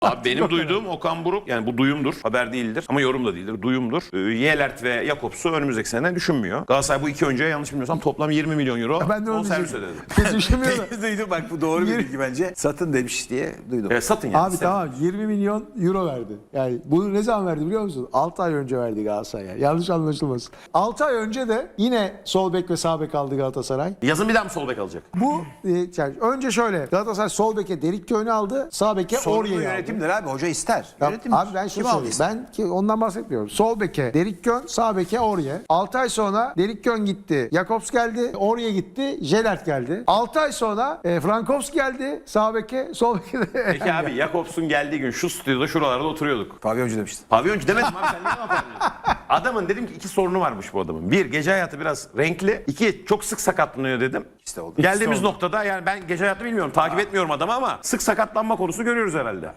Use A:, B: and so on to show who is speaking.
A: Abi benim duyduğum Okan Buruk, yani bu duyumdur, haber değildir ama yorum da değildir, duyumdur. Yelert ve Jakobs'u önümüzdeki sene düşünmüyor. Galatasaray bu iki oyuncuya yanlış bilmiyorsam toplam 20 milyon euro
B: Ben de onu
A: bonservis
B: diyecektim.
A: ödedi.
B: Düşünmüyorum.
C: Duydum bak, bu doğru bir bilgi bence. Satın demiş diye duydum.
A: Satın yani.
B: Abi tamam 20 milyon euro verdi. Yani bunu ne zaman verdi biliyor musun? 6 ay önce verdi Galatasaray. Yanlış anlaşılmasın. 6 ay önce de yine sol bek ve sağ bek aldı Galatasaray.
A: Yazın bir daha mı sol bek alacak?
B: Bu yani önce şöyle Galatasaray sol beke Derik Köy'ünü aldı. Sağ beke
C: Sorumlu
B: Orya'yı aldı.
C: yönetimdir abi. Hoca ister.
B: Ya,
C: Yönetimdir.
B: abi ben şunu
C: Kim
B: söyleyeyim.
C: aldıysa.
B: Ben ki ondan bahsetmiyorum. Sol beke Derik Kön, sağ beke Orye. 6 ay sonra Derik Kön gitti. Jakobs geldi. Orye gitti. Jelert geldi. 6 ay sonra Frankowski geldi. Sağ beke, sol beke de
A: Peki abi Jakobs'un geldiği gün şu stüdyoda şuralarda oturuyorduk.
C: Pavyoncu demiştin.
A: Pavyoncu demedim abi, sen niye cevap vermiyorsun? Adamın dedim ki iki sorunu varmış bu adamın. Bir, gece hayatı biraz renkli. İki, çok sık sakatlanıyor dedim.
C: İşte oldu.
A: Geldiğimiz
C: İkisi oldu.
A: noktada yani ben gece hayatı bilmiyorum, takip etmiyorum adamı ama sık sakatlanma konusu görüyoruz herhalde.